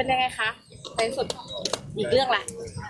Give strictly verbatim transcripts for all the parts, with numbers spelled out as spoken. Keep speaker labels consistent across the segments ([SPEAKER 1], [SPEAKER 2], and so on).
[SPEAKER 1] เป็นยังไงคะในที่สุดอีกเรื่องแหละ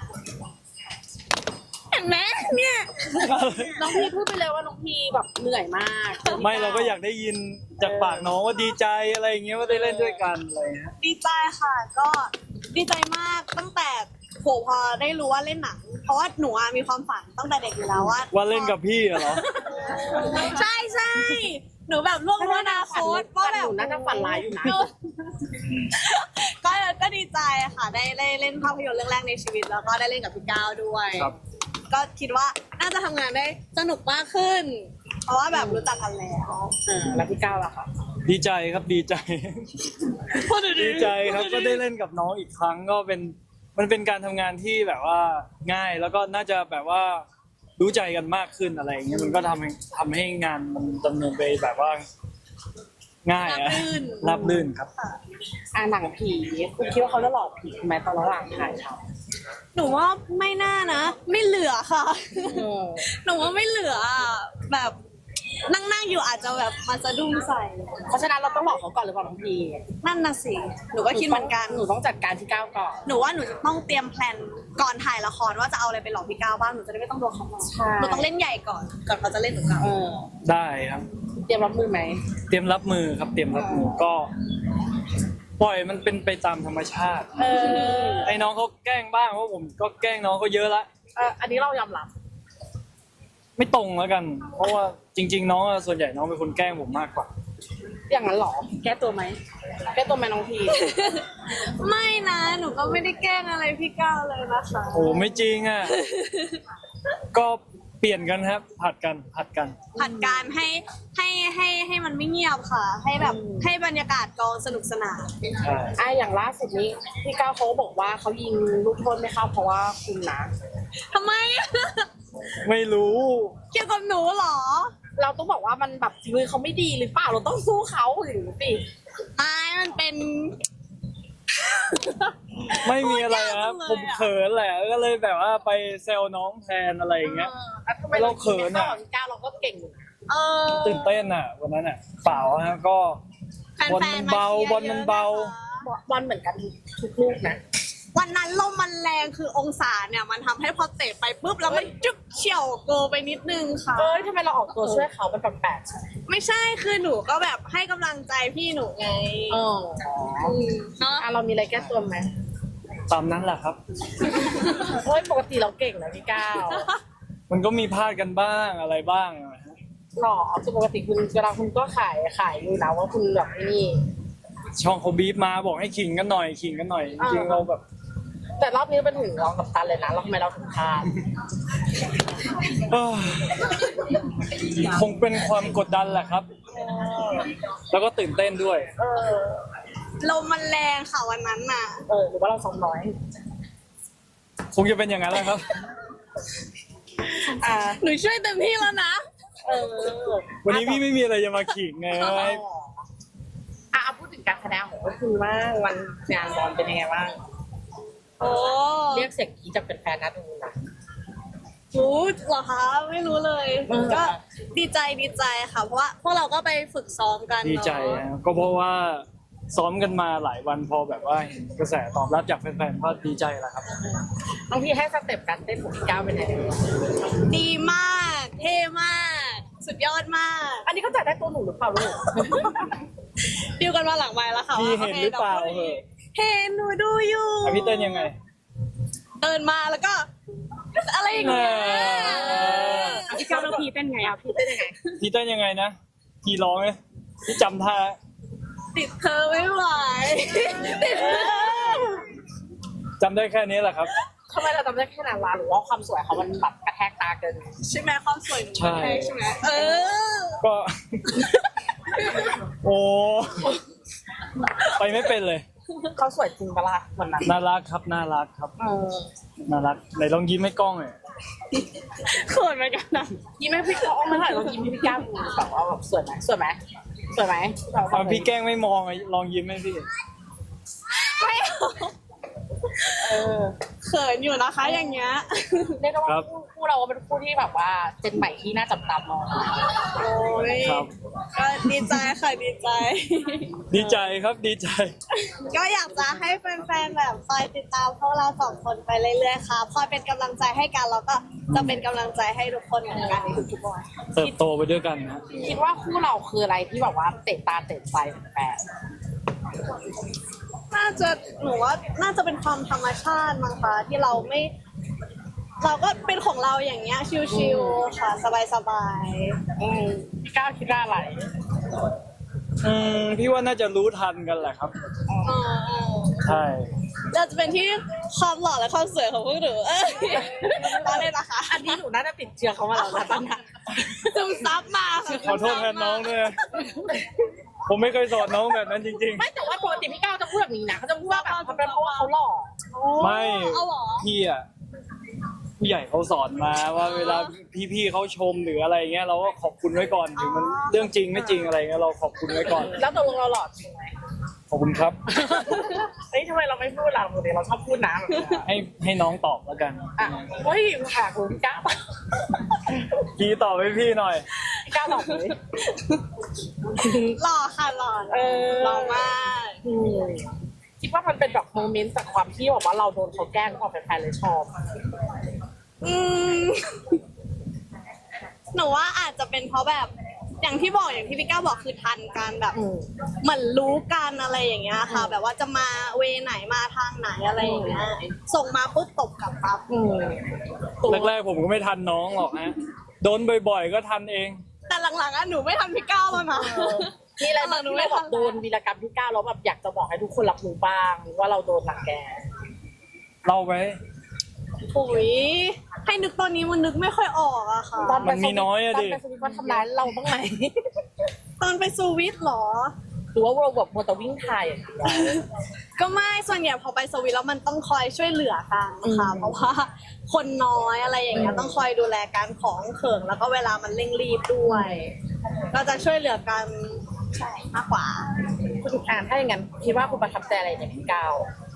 [SPEAKER 1] เห็นไหมเนี่ยน้องพีพูดไปเลยว่าน้องพีแบบเหนื่อยมาก
[SPEAKER 2] ไม่เราก็อยากได้ยินจากปากน้องว่าดีใจอะไรอย่างเงี้ยว่าได้เล่นด้วยกันอะไรเงี้ย
[SPEAKER 3] ดีใจค่ะก็ดีใจมากตั้งแต่โหพอได้รู้ว่าเล่นหนังเพราะว่าหนูอะมีความฝันตั้งแต่เด็กอยู่แล้วว่า
[SPEAKER 2] ว่าเล่นกับพี่เหรอ
[SPEAKER 3] ใช่ใช่หนูแบบล่วงรู้อนาคตว่าแบบ
[SPEAKER 1] หนูน่าจะฝันร้ายอยู่นะ
[SPEAKER 3] ก็ก็ดีใจค่ะได้ได้เล่นภาพยนตร์เรื่องแรกในชีวิตแล้วก็ได้เล่นกับพี่ก้าวด้วย
[SPEAKER 2] ครับ
[SPEAKER 3] ก็คิดว่าน่าจะทำงานได้สนุกมากขึ้น เพราะว่าแบบรู้จักกันแล้ว
[SPEAKER 1] เออแล้วพี่ก้าวล่ะคะ
[SPEAKER 2] ดีใจครับดีใจ ดีใจครับก็ได้เล่นกับน้องอีกครั้งก็เป็นมันเป็นการทำงานที่แบบว่าง่ายแล้วก็น่าจะแบบว่ารู้ใจกันมากขึ้นอะไรอย่างเงี้ยมันก็ทำให้ทำให้งานมันดำเนินไปแบบว่า ง่ายอะราบรื่นครับ
[SPEAKER 1] อ่าหนังผีคุณคิดว่าเขาจะหลอกผีไหมตอนระหว่างถ่ายท
[SPEAKER 3] หนูว่าไม่น่านะ ไม่เหลือค่ะ
[SPEAKER 1] ำเออ
[SPEAKER 3] หนูว่าไม่เหลืออะแบบนั่งนั่งๆอยู่อาจจะแบบมาสะดุ้งใส่
[SPEAKER 1] เพราะฉะนั้นเราต้องหลอกเขาก่อนหรือเปล่าน้องพี
[SPEAKER 3] นั่นน่ะสิหนูก็คิดเหมือนกัน
[SPEAKER 1] หนูต้องจัดการที่ก้าวก่อน
[SPEAKER 3] หนูว่าหนูจะต้องเตรียมแพลนก่อนถ่ายละครว่าจะเอาอะไรไปหลอกพี่ก้าวบ้างหนูจะได้ไม่ต้องโดนเขาหลอก
[SPEAKER 1] ใช่
[SPEAKER 3] หนูต้องเล่นใหญ่ก่อนก่อนเขาจะเล่นหนูก้าว
[SPEAKER 1] เออ
[SPEAKER 2] ได้ครับ
[SPEAKER 1] เตรียมรับมือไหม
[SPEAKER 2] เตรียมรับมือครับ เตรียมรับมือก็ ปล่อยมันเป็นไปตามธรรมชาติ
[SPEAKER 1] เออ
[SPEAKER 2] ไอ้น้องเขาแกล้งบ้างเพราะผมก็แกล้งน้องเขาเยอะละ
[SPEAKER 1] เอออันนี้เรายอมรับ
[SPEAKER 2] ไม่ตรงแล้วกัน เพราะว่าจริง ๆ น้องอะส่วนใหญ่น้องเป็นคนแกล้งผมมากกว่า
[SPEAKER 1] อย่างนั้นเหรอแก้ตัวไหมแก้ตัวไหมน้องพี
[SPEAKER 3] ไม่นะหนูก็ไม่ได้แกล้งอะไรพี่ก้าวเลยนะคะ
[SPEAKER 2] โอ้ไม่จริงอ่ะ ก็เปลี่ยนกันครับ ผัดกันผัดกัน
[SPEAKER 3] ผัดการให้ให้ให้ให้มันไม่เงียบค่ะ ให้แบบให้บรรยากาศกองสนุกสนาน
[SPEAKER 2] ใช่
[SPEAKER 1] อ่ะอย่างล่าสุดนี้พี่ก้าวเขาก็บอกว่าเขายิงลูกโทษไม่เข้าเพราะว่าคุณนะ
[SPEAKER 3] ทำไม
[SPEAKER 2] ไม่รู้
[SPEAKER 3] เกี่ยวกับหนูเหรอ
[SPEAKER 1] เราต้องบอกว่ามันแบบฝีมือเขาไม่ดีหรือเปล่าเราต้องสู้เขาหรือสิ
[SPEAKER 3] ไม่มันเป็น
[SPEAKER 2] ไม่มีอะไรครับ
[SPEAKER 3] พูดยากจังเลยอะ
[SPEAKER 2] ผมเขินแหละ ก็เลยแบบว่าไปแซวน้องแทนอะไรอย่างเงี้ย
[SPEAKER 1] แล้วทำไมเราเขินอ่ะพี่ก้าวเราก็เก่งอยู่นะ
[SPEAKER 3] เออ
[SPEAKER 2] ตื่นเต้นอ่ะ วันนั้นอ่ะ เปล่าฮะก็
[SPEAKER 3] แฟ
[SPEAKER 2] บอลมัน
[SPEAKER 3] ๆ
[SPEAKER 2] เบา
[SPEAKER 3] ชียร์
[SPEAKER 2] บอลมันเบา
[SPEAKER 3] ยอะนะคะ
[SPEAKER 1] บอลเหมือนกันทุกลูกนะ
[SPEAKER 3] วันนั้นลมมันแรงคือองศาเนี่ยมันทำให้พอเตะไปปุ๊บแล้วมันจุกเฉี่ยวโกไปนิดนึงค่ะ
[SPEAKER 1] เอ้ยทำไมเราออกตัวช่วยเขาเป็นแปลกๆใช่ไหม
[SPEAKER 3] ไม่ใช่คือหนูก็แบบให้กำลังใจพี่หนูไง
[SPEAKER 1] เออ
[SPEAKER 3] มเนาะ
[SPEAKER 1] อ่ะเรามีอะไรแก้ตัวไหม
[SPEAKER 2] ตามนั้นแหละครับ
[SPEAKER 1] เฮ้ยปกติเราเก่งนะพี่ก้าว
[SPEAKER 2] มันก็มีพลาดกันบ้างอะไรบ้างอะฮะ
[SPEAKER 1] หรอคือปกติคุณเวลาคุณก็ขายขายอยู่นะว่าคุณแบบนี่
[SPEAKER 2] ช่องเขาบีบมาบอกให้ขิงกันหน่อยขิงกันหน่อย จริงๆเราแบบ
[SPEAKER 1] แต่รอบนี้เป็นถึงรองกับตันเลยนะแล้วทำไมเราถึงพลาด
[SPEAKER 2] เอ้อคงเป็นความกดดันแหละครับ แล้วก็ตื่นเต้นด้วย
[SPEAKER 1] เออ
[SPEAKER 3] ลมมันแรงค่ะวันนั้นน่ะ
[SPEAKER 1] เออหรือว่าเราซ้อมน้อย
[SPEAKER 2] คงจะเป็นอย่างนั้นแหละครับ
[SPEAKER 1] อ่า
[SPEAKER 3] หนูช่วยเต็มที่แล้วนะ
[SPEAKER 1] เออ
[SPEAKER 2] วันนี้พี่ไม่มีอะไรจะมาขิงไง
[SPEAKER 1] อ่ะอ่ะเอาพูดถึงการแสดงของคุณบ้างวันงานบอลเป็นยังไงบ้าง
[SPEAKER 3] โอ้
[SPEAKER 1] เรียกเสียงกรี๊ดจากแฟนๆนะดูนะ
[SPEAKER 3] รู้เหรอคะ ไม่รู้เลย
[SPEAKER 1] เออ
[SPEAKER 3] ก็ดีใจดีใจค่ะ เพราะว่าพวกเราก็ไปฝึกซ้อมกันเนอะ
[SPEAKER 2] ดีใจนะก็เพราะว่าซ้อมกันมาหลายวันพอแบบว่าเห็นกระแสตอบรับจากแฟนๆก็ดีใจแหละครับ
[SPEAKER 1] บางทีให้สเต็ปการเต้นของพี่ก้าวเป็นยังไง
[SPEAKER 3] ดีมาก เท่มาก สุดยอดมาก
[SPEAKER 1] อันนี้เขาจัดได้ตัวหนูหรือเปล่าลูก
[SPEAKER 3] ดิวกันมาหลังไมค์แล้วค่ะ
[SPEAKER 2] พี่
[SPEAKER 3] ว่า
[SPEAKER 2] เห็นหรือเปล่า
[SPEAKER 3] โค
[SPEAKER 2] เหอะ
[SPEAKER 3] เห็นหนูดูอยู่
[SPEAKER 2] อ่ะพี่เต้นยังไง
[SPEAKER 3] เดินมาแล้วก็ อะไรอย่างเงี้ย
[SPEAKER 2] เออ
[SPEAKER 1] พี่ก้าวแล้วพี่เต้นไงอ่ะพี่เต้นยังไง
[SPEAKER 2] พี่เต้นยังไงนะพี่ร้องไหมพี่จำท่า
[SPEAKER 3] ติดเธอไม่ไหวติดเธอ
[SPEAKER 2] จำได้แค่นี้แหละครับ
[SPEAKER 1] ทำไมเราจำได้แค่นั้นวะหรือว่าความสวยเขามันแบบกระแทกตาเกิน
[SPEAKER 3] ใช่ไหมความสวยหนู
[SPEAKER 2] ใช่
[SPEAKER 3] ใช่ไหมเออ
[SPEAKER 2] ก็ โอ้ไปไม่เป็นเลย
[SPEAKER 1] เขาสวยจริงปะล่ะวันนั้น
[SPEAKER 2] น่ารักครับน่ารักครับ
[SPEAKER 1] เออ
[SPEAKER 2] น่ารักไหนลองยิ้มให้กล้องหน่อย
[SPEAKER 3] เขินเหมือนกันนะ
[SPEAKER 1] ยิ้มให้พี่ก้าวมาถ่ายลองยิ้มให้พี่ก้าวดูแบบว่าแบบสวยไหมสวยไหมสวยไหมแบบ
[SPEAKER 2] อ่ะพี่แกล้งไม่มองอ่ะลองยิ้มให้พี่
[SPEAKER 3] ไม่เอา
[SPEAKER 1] เออ
[SPEAKER 3] เขินอยู่นะคะ อย่างเงี้ย
[SPEAKER 1] เรียกได้
[SPEAKER 2] ครั
[SPEAKER 1] ว่า
[SPEAKER 2] บ
[SPEAKER 1] คู่คู่เราเป็นคู่ที่แบบว่าเจนใหม่ที่น่าจับตามอง
[SPEAKER 3] โอ้ย
[SPEAKER 2] ครับ
[SPEAKER 3] ก็ดีใจค่ะดีใจ
[SPEAKER 2] ดีใจครับดีใจ
[SPEAKER 3] ก็อยากจะให้แฟนๆแบบคอยติดตามพวกเราสองคนไปเรื่อยๆค่ะคอยเป็นกำลังใจให้กันแล้วก็จะเป็นกำลังใจให้ทุกคนเหมือนกันในทุกๆวัน
[SPEAKER 2] เติบโตไปด้วยกันนะ
[SPEAKER 1] คิดว่าคู่เราคืออะไรที่แบบว่าเตะตาเตะใจแฟน
[SPEAKER 3] น่าจะหนูว่าน่าจะเป็นความธรรมชาติมั้งคะที่เราไม่ เราก็เป็นของเราอย่างเงี้ยชิลๆค่ะสบาย
[SPEAKER 1] ๆอืมพี่ก้าวคิดว่าอะไร
[SPEAKER 2] อืมพี่ว่าน่าจะรู้ทันกันแหละครับ
[SPEAKER 3] ๆเออ
[SPEAKER 2] ใช่
[SPEAKER 3] จะเป็นที่ความหล่อและความสวยของพวกหนูเออตอนนี้นะคะ
[SPEAKER 1] อันนี้หนูน่าจะติดเชื้อเขามาแล้วนะตอนนี้
[SPEAKER 3] ซึมซับมาค่ะ
[SPEAKER 2] ขอโทษแทนน้องด้วยนะผมไม่เคยสอนน้องแบบนั้นจริง
[SPEAKER 1] ไม่แต่ว่าปกติพี่ก้าวจะพูดแบบนี้นะเขาจะพูดว่าแบบเขาเป็นเพราะว่าเขาหล่อ
[SPEAKER 2] ๆ ไม่
[SPEAKER 3] เอาเหรอ
[SPEAKER 2] พี่อ่ะผู้ใหญ่เขาสอนมาว่าเวลาพี่ๆเขาชมหรืออะไรเงี้ยเราก็ขอบคุณไว้ก่อนถึงมันเรื่องจริงไม่จริงอะไรเงี้ยเราขอบคุณไว้ก่อน
[SPEAKER 1] แล้วตกลงเราหล่อจริงไหม
[SPEAKER 2] ขอบคุณครับ
[SPEAKER 1] เฮ้ยทำไมเราไม่พูดล่ะปกติเราชอบพูดนะแบบนี้
[SPEAKER 2] ให้ให้น้องตอบแล้วกัน
[SPEAKER 1] อ่ะเฮ้ยแขกคุณพี่ก้าว
[SPEAKER 2] พี่ตอบให้พี่หน่อย
[SPEAKER 1] พี่ก้าวตอบเลย
[SPEAKER 3] หล่อค่ะหล่อ
[SPEAKER 1] เออ
[SPEAKER 3] หล่อมาก
[SPEAKER 1] อืมคิดว่ามันเป็นแบบโมเมนต์จากความที่แบบว่าเราโดนเขาแกล้งความแฟนๆเลยชอบ
[SPEAKER 3] อืมหนูว่าอาจจะเป็นเพราะแบบอย่างที่บอกอย่างที่พี่ก้าวบอกคือทันกันแบบ
[SPEAKER 1] อืม
[SPEAKER 3] เหมือนรู้กันอะไรอย่างเงี้ยค่ะ แบบว่าจะมาเวไหนมาทางไหนอะไรอย่างเงี้ยส่งมาปุ๊บตบกลับปั๊บ
[SPEAKER 1] อืม
[SPEAKER 2] แรกๆผมก็ไม่ทันน้องหรอกนะโดนบ่อยๆก็ทันเอง
[SPEAKER 3] แต่หลังๆอ่ะหนูไม่ทันพี่ก้าวแล้วนะ
[SPEAKER 1] มีอะไรบ้าง
[SPEAKER 3] หนู
[SPEAKER 1] ที่
[SPEAKER 3] ไม่
[SPEAKER 1] เราแบ
[SPEAKER 3] ทั
[SPEAKER 1] บโดนวีรกรรมพี่ก้าวแล้วแบบอยากจะบอกให้ทุกคนรับรู้บ้างว่าเราโดนหลังแก
[SPEAKER 2] เล่าไป
[SPEAKER 3] ปุ๋ยให้นึกตอนนี้มันนึกไม่ค่อยออกอะค่ะ
[SPEAKER 1] ตอนไป
[SPEAKER 2] มันมีน้อยอะดิ
[SPEAKER 1] ตอนไปสวิตว่าทำร้ายเราบ้างไหม
[SPEAKER 3] ตอนไปสวิตเหรอ
[SPEAKER 1] หรือว่าเราแบบมัวแต่วิ่งถ่ายอย่างเดียว
[SPEAKER 3] ก็ไม่ส่วนใหญ่พอไปสวิตแล้วมันต้องคอยช่วยเหลือกันค่ะ
[SPEAKER 1] อืม
[SPEAKER 3] เพราะว่าคนน้อยอะไรอย่างเงี้ย
[SPEAKER 1] อืม
[SPEAKER 3] ต้องคอยดูแลการของเขิงแล้วก็เวลามันเร่งรีบด้วย ก็จะช่วยเหลือกันใช่มากกว่า
[SPEAKER 1] คุณอ่านถ้าอย่างนั้นคิดว่าคุณประทับใจอะไรในพี่ก้าว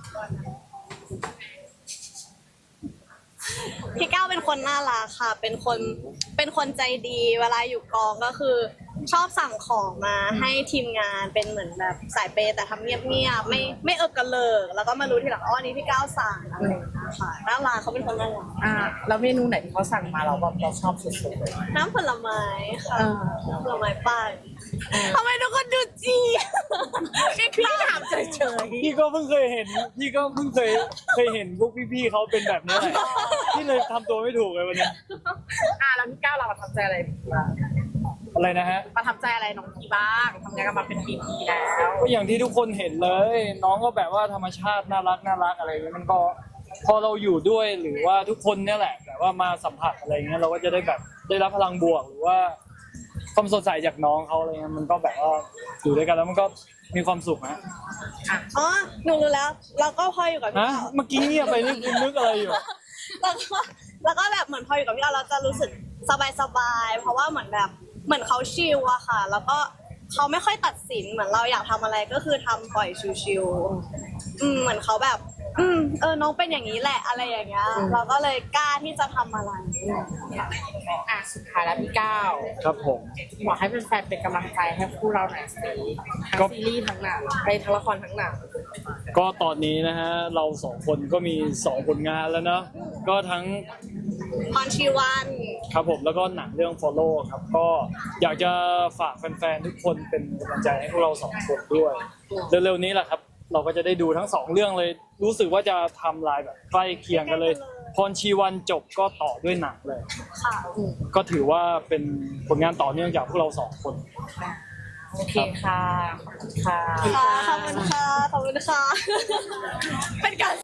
[SPEAKER 3] พี่ก้าวเป็นคนน่ารักค่ะ เป็นคนเป็นคนใจดี เวลาอยู่กองก็คือ ชอบสั่งของมาให้ทีมงานเป็นเหมือนแบบสายเปย์แต่ทำเงียบๆไม่ไม่เอิกกระเลิกแล้วก็มารู้ทีหลังอ๋ออันนี้พี่ก้าวสั่งอะไรอย่างเงี้ยค่ะน่ารักเขาเป็นคนน่ารัก
[SPEAKER 1] อ่าแล้วเมนูไหนที่เขาสั่งมาเราแบบเราชอบสุดๆเลย
[SPEAKER 3] น้ำผลไม้ค่ะ
[SPEAKER 1] อ่า
[SPEAKER 3] น้ำผลไม้ปั่นทำไมทุกคนดูจีพี่
[SPEAKER 1] พี่
[SPEAKER 3] ก้าว
[SPEAKER 1] ถามเฉย
[SPEAKER 2] พี่ก็เพิ่งเคยเห็นพี่ก็เพิ่งเคยเคยเห็นพวกพี่ๆเขาเป็นแบบนี้แหละพี่เลยทำตัวไม่ถูกเลยวันนี้
[SPEAKER 1] ๆอ่าแล้วพี่ก้าวเราประทับใจอะไรบ้าง
[SPEAKER 2] อะไรนะฮะ
[SPEAKER 1] ประทับใจอะไรน้องพีบ้างทำงานกันมาเป็นปีๆแล้ว
[SPEAKER 2] ก็อย่างที่ทุกคนเห็นเลย น้องก็แบบว่าธรรมชาติน่ารักน่ารักอะไรอย่างเงี้ยมันก็พอเราอยู่ด้วยหรือว่าทุกคนเนี่ยแหละแบบว่ามาสัมผัสอะไรเงี้ยเราก็จะได้แบบได้รับพลังบวกหรือว่าความสดใสจากน้องเขาอะไรเงี้ยมันก็แบบว่าอยู่ด้วยกันแล้วมันก็มีความสุขนะ
[SPEAKER 3] อ๋อหนูรู้แล้วเราก็พออยู่กับพี่
[SPEAKER 2] ฮะ
[SPEAKER 3] ก้าว
[SPEAKER 2] เมื่อกี้เงียบไปนึกนึกอะไรอยู่
[SPEAKER 3] แล้วก็แล้วก็แบบเหมือนพออยู่กับพี่ก้าวเราจะรู้สึกสบายๆเพราะว่าเหมือนแบบเหมือนเขาชิลอะค่ะ แล้วก็เขาไม่ค่อยตัดสินเหมือนเราอยากทำอะไรก็คือทำปล่อยชิลๆอืมเหมือนเขาแบบ อืมเออน้องเป็นอย่างนี้แหละอะไรอย่างเงี้ยเราก็เลยกล้าที่จะทำอะไร
[SPEAKER 1] อ่ะสุดท้ายแล้วพี่ก้าว
[SPEAKER 2] ครับผม
[SPEAKER 1] บอกให้แฟนๆเป็นกำลังใจให้คู่เราหน่อยสิทั้ง
[SPEAKER 2] ก็
[SPEAKER 1] ซีรีส์ทั้งหนังไปทั้งละครทั้งหนัง
[SPEAKER 2] ก็ตอนนี้นะฮะเราสองคนก็มีสองผลงานแล้วเนาะก็ทั้ง
[SPEAKER 3] พรชีวัน
[SPEAKER 2] ครับผมแล้วก็หนังเรื่อง Follow ครับก็อยากจะฝากแฟนๆทุกคนเป็นกำลังใจให้พวกเราสองคนด้วยเร็วๆนี้แหละครับ เราก็จะได้ดูทั้งสองเรื่องเลย รู้สึกว่าจะทำลายแบบใกล้เคียงกันเลย พรชีวันจบก็ต่อด้วยหนังเลย
[SPEAKER 3] ค่ะ
[SPEAKER 2] ก็ถือว่าเป็นผลงานต่อเนื่องจากพวกเราสองคน
[SPEAKER 1] โอเคค่ะขอบคุณค่ะ
[SPEAKER 3] ค่ะขอบคุณค่ะขอบคุณค่ะเป็นการ